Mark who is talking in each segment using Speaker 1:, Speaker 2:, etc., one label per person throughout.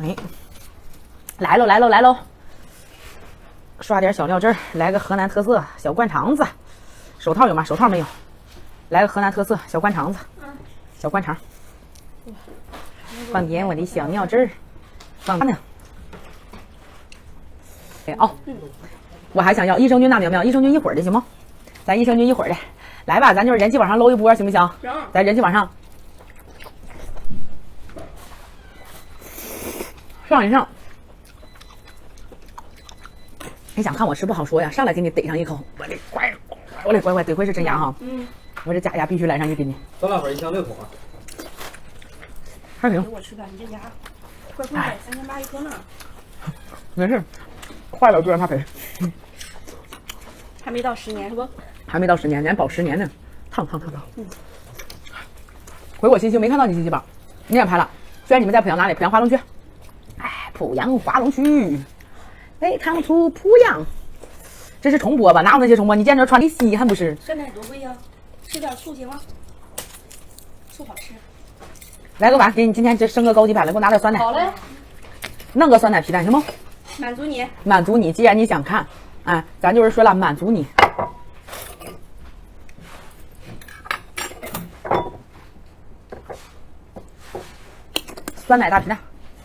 Speaker 1: 哎，来喽来喽来喽！刷点小料汁儿，来个河南特色小灌肠子。手套有吗？手套没有。来个河南特色小灌肠子，小灌肠。放点我的小料汁儿，放呢。哎哦，我还想要益生菌大苗苗，益生菌一会儿的行吗？咱益生菌一会儿的，来吧，咱就是人气往上搂一波，行不行？
Speaker 2: 行。
Speaker 1: 咱人气往上。上一上，你想看我吃不好说呀，上来给你逮上一口，我的乖，得亏是真牙哈，我这假牙必须来上去给你。
Speaker 3: 酸辣粉一箱6桶啊，
Speaker 1: 还行。
Speaker 2: 给我吃饭，你这牙快贵了，3800一颗呢。
Speaker 1: 没事，坏了就让他赔。
Speaker 2: 还没到10年是不？
Speaker 1: 还没到10年，咱保10年呢，烫。回我信息没看到你信息吧？你也拍了，虽然你们在濮阳哪里？濮阳华龙区。哎，濮阳华龙区，北康出濮阳，这是重播吧？哪有那些重播？你见着穿的稀罕不是？
Speaker 2: 酸奶多贵呀，吃点醋行吗？醋好吃。
Speaker 1: 来个碗，给你今天这升个高级版了，给我拿点酸奶。
Speaker 2: 好嘞，
Speaker 1: 弄个酸奶皮蛋行吗？
Speaker 2: 满足你。
Speaker 1: 满足你，既然你想看，哎，咱就是说了，满足你。酸奶大皮蛋。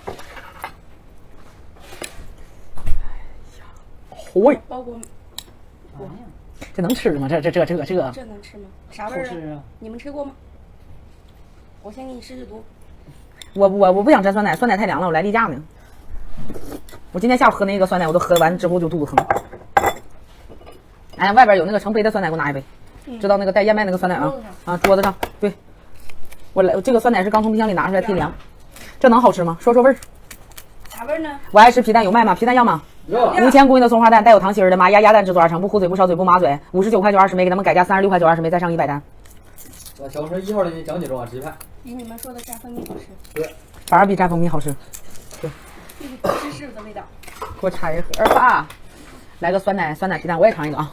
Speaker 1: 嚯，
Speaker 2: 包裹。
Speaker 1: 这能吃吗？这
Speaker 2: 这能吃吗？啥味儿啊？你们吃过吗？我先给你试毒。
Speaker 1: 我不想蘸酸奶，酸奶太凉了，我来例假呢。我今天下午喝那个酸奶，我都喝完之后就肚子疼。哎，外边有那个成杯的酸奶，给我拿一杯。知道那个带燕麦那个酸奶啊？桌子上。对，我来，这个酸奶是刚从冰箱里拿出来忒凉。这能好吃吗？说味儿。
Speaker 2: 啥味儿呢？
Speaker 1: 我爱吃皮蛋，有卖吗？皮蛋要吗？5000公斤的松花蛋，带有糖心儿的，麻鸭蛋制作而成，不糊嘴不烧嘴不麻嘴，59块就20枚，给他们改价36块就20枚，再上100单。
Speaker 3: 小红书1号的讲解中啊，直拍。
Speaker 2: 比你们说的蘸蜂蜜好吃。
Speaker 3: 对，
Speaker 1: 反而比蘸蜂蜜好吃。对，
Speaker 2: 芝士的味道。
Speaker 1: 给我拆一盒吧，来个酸奶皮蛋，我也尝一个啊。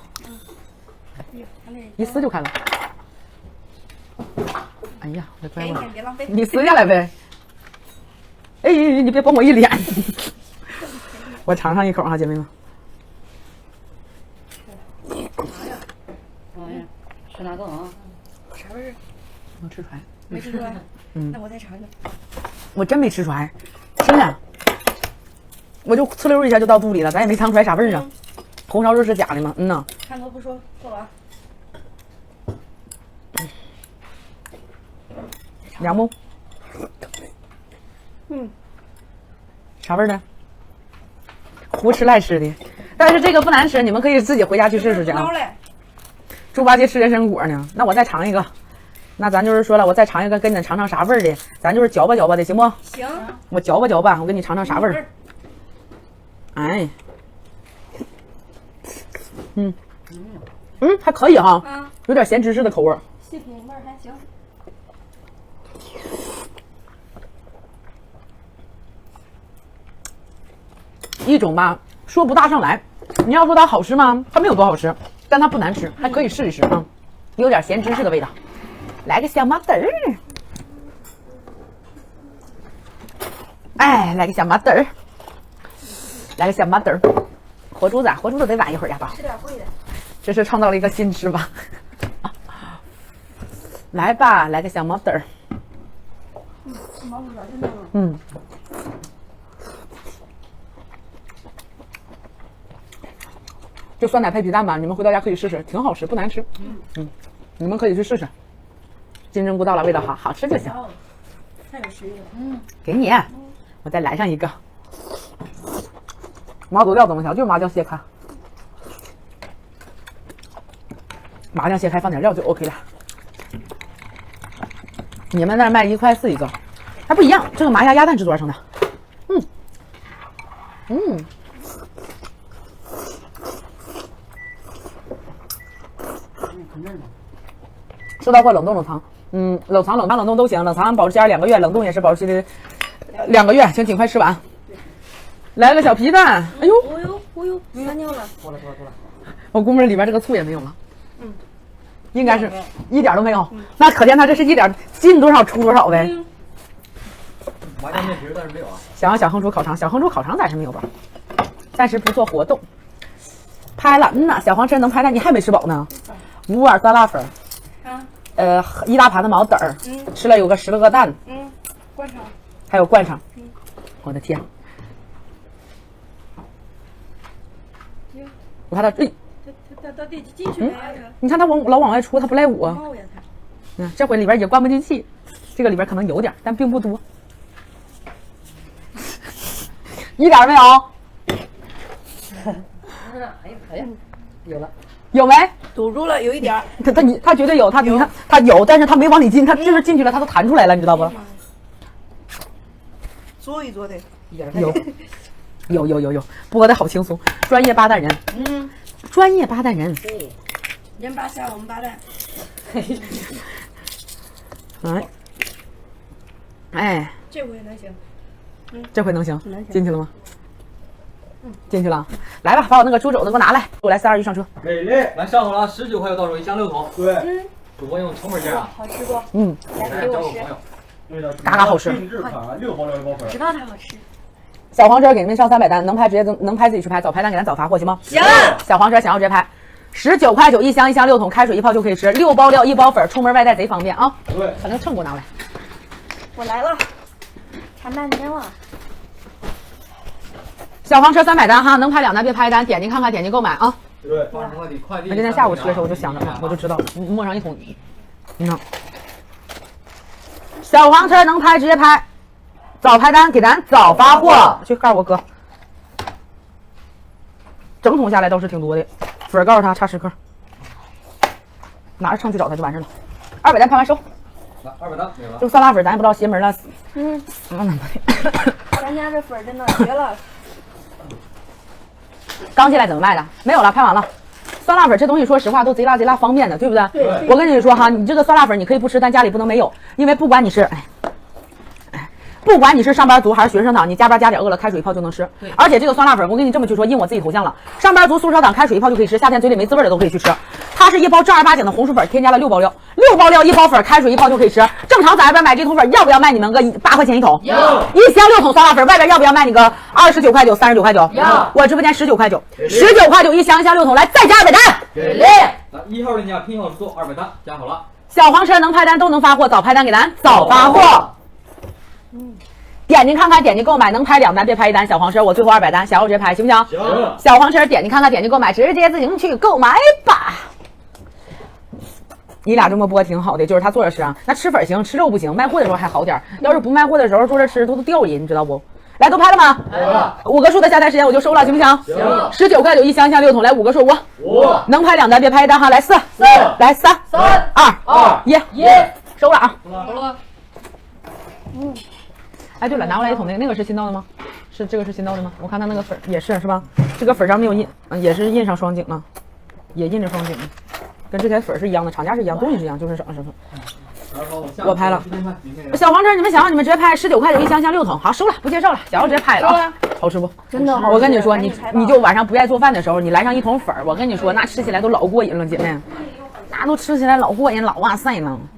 Speaker 1: 一撕就开了。哎呀，我的乖乖，
Speaker 2: 别浪费。
Speaker 1: 你撕下来呗。哎，你别崩我一脸。我尝上一口哈，姐妹们。
Speaker 4: 吃哪个啊？
Speaker 2: 啥味儿？
Speaker 1: 我吃出来。
Speaker 2: 没吃出来。那我再尝尝。
Speaker 1: 我真没吃出来，真的。我就呲溜一下就到肚里了，咱也没尝出来啥味儿啊。红烧肉是假的吗？呐。
Speaker 2: 看头不说，做完。
Speaker 1: 凉不？啥味儿的？胡吃赖吃的，但是这个不难吃，你们可以自己回家去试试去啊。猪八戒吃人参果呢，那我再尝一个，那咱就是说了，我再尝一个，跟你尝尝啥味儿的，咱就是嚼吧嚼吧的，行不？
Speaker 2: 行。
Speaker 1: 我嚼吧嚼吧，我给你尝尝啥味儿。哎，还可以哈，有点咸芝士的口味儿。
Speaker 2: 细品味儿还行。
Speaker 1: 一种吧，说不大上来。你要说它好吃吗？它没有多好吃，但它不难吃，还可以试一试啊。有点咸芝士的味道。来个小麻豆儿，哎，来个小麻豆儿，来个小麻豆儿。活珠子得晚一会儿呀，宝。
Speaker 2: 吃点贵的。
Speaker 1: 这是创造了一个新吃法。来吧，来个小毛豆儿。
Speaker 2: 毛豆儿真的。
Speaker 1: 就酸奶配皮蛋吧，你们回到家可以试试，挺好吃，不难吃。你们可以去试试。金针菇到了，味道好，好吃就行。
Speaker 2: 太有食欲了。
Speaker 1: 给你，我再来上一个。毛肚料怎么调？就是麻酱切开，麻酱切开放点料就 OK 了。你们那儿卖1块4一个，还不一样。这个麻鸭蛋制作而成的。收到货冷冻冷藏，冷藏冷冻都行，冷藏保质期2个月，冷冻也是保质期的2个月，请尽快吃完。来个小皮蛋，哎呦，
Speaker 2: 撒尿了，
Speaker 3: 多了。
Speaker 1: 我估摸里边这个醋也没有了，应该是一点都没有，那可见它这是一点进多少出多少呗。
Speaker 3: 麻酱面皮但是没有啊。
Speaker 1: 想要小红薯烤肠，小红薯烤肠暂时没有吧，暂时不做活动。拍了，呐，小黄车能拍了，你还没吃饱呢。5碗酸辣粉，1大盘的毛豆儿，吃了有个10个蛋，
Speaker 2: 灌肠，
Speaker 1: 还有灌肠，我的天！我看他，
Speaker 2: 他得进去了呀，
Speaker 1: 你看他老往外出，他不赖我。
Speaker 2: 冒呀他。
Speaker 1: 这回里边也灌不进去，这个里边可能有点，但并不多，一点没有。
Speaker 3: 哎呀，有了，
Speaker 1: 有没？
Speaker 2: 堵住了，有一点儿。
Speaker 1: 他绝对有，你看他有，但是他没往里进，他就是进去了，他都弹出来了，你知道不？
Speaker 2: 做一做的，
Speaker 1: 有，播的好轻松，专业八蛋人，专业八蛋人，
Speaker 2: 对，人八下我们八蛋。
Speaker 1: 哎，
Speaker 2: 这回能行。
Speaker 1: 这回能行，
Speaker 2: 能行
Speaker 1: 进去了吗？进去了，来吧，把我那个猪肘子给我拿来，我来3、2、1上车。
Speaker 3: 美丽，来上好了，19块就到手，1箱6桶。
Speaker 4: 对，
Speaker 3: 主播用成本价啊，
Speaker 2: 好吃不？
Speaker 3: 来交个朋友。
Speaker 4: 对的，
Speaker 1: 嘎嘎好吃
Speaker 4: 定制款6包料1包粉。
Speaker 2: 知道它好吃。
Speaker 1: 小黄车给你们上300单，能拍直接能拍自己去拍，早拍单给咱早发货行吗？
Speaker 2: 行。
Speaker 1: 小黄车想要直接拍，19块9一箱，1箱6桶，开水一泡就可以吃，6包料1包粉，出门外带贼方便啊。
Speaker 4: 对，
Speaker 1: 把那个秤给我拿过来。
Speaker 2: 我来了，馋半天了。
Speaker 1: 小黄车300单哈，能拍2单别拍单，点进看看，点进购买啊。
Speaker 4: 对，
Speaker 3: 80块的快递。
Speaker 1: 我今天下午吃的时候我就想着，我就知道磨上一桶。小黄车能拍直接拍，早拍单给咱早发货，去告诉我哥。整桶下来倒是挺多的，粉儿告诉他差10克，拿着秤去找他就完事了。200单拍完收。
Speaker 3: 来200单没了。
Speaker 1: 这个酸辣粉咱也不知道邪门了，
Speaker 2: 咱家这粉真的绝了。
Speaker 1: 刚进来怎么卖的？没有了，拍完了。酸辣粉这东西说实话都贼辣方便的，对不对？
Speaker 2: 对。
Speaker 1: 我跟你说哈，你这个酸辣粉你可以不吃，但家里不能没有，因为不管你是不管你是上班族还是学生党，你加班加点饿了，开水一泡就能吃。对。而且这个酸辣粉，我跟你这么去说，印我自己头像了。上班族、宿舍党开水一泡就可以吃，夏天嘴里没滋味的都可以去吃。它是一包正儿八经的红薯粉，添加了6包料，6包料1包粉，开水一泡就可以吃。正常在外边买这桶粉，要不要卖你们个8块钱一桶？
Speaker 3: 要。
Speaker 1: 1箱6桶酸辣粉，外边要不要卖你个29块9、39块9？
Speaker 3: 要。
Speaker 1: 我直播间19块9，19块9一箱6桶，来再加200单。
Speaker 3: 给力！来1号链家拼号数200单，加好了。
Speaker 1: 小黄车能拍单都能发货，早拍单给咱早发货。点进看看，点进购买，能拍2单别拍1单。小黄车我最后200单，想要直接拍行不行？
Speaker 4: 行。
Speaker 1: 小黄车点进看看，点进购买，直接自行去购买吧。你俩这么播挺好的，就是他坐着吃啊，那吃粉行，吃肉不行。卖货的时候还好点，要是不卖货的时候坐着吃都掉瘾，你知道不？来，都拍了吗？
Speaker 3: 拍了。
Speaker 1: 5个数的下单时间我就收了，行不行？
Speaker 3: 行。
Speaker 1: 19块9一箱6桶，来5个数
Speaker 4: 5，
Speaker 1: 能拍2单别拍1单哈，来4，来3、2、1，收了啊。
Speaker 3: 好了。
Speaker 1: 哎，对了，拿过来一桶那个是新到的吗？是这个是新到的吗？我看他那个粉也是吧？这个粉上没有印，也是印上双井了，也印着双井，跟这台粉是一样的，厂家是一样，东西是一样，就是省了身份。我拍了。小黄车，你们想要你们直接拍19块9一箱6桶，好收了，不介绍了，想要直接拍了啊。好吃不？
Speaker 2: 真的好吃。
Speaker 1: 我跟你说，你就晚上不爱做饭的时候，你来上一桶粉，我跟你说，那吃起来都老过瘾了，姐妹，那都吃起来老过瘾，老哇塞了。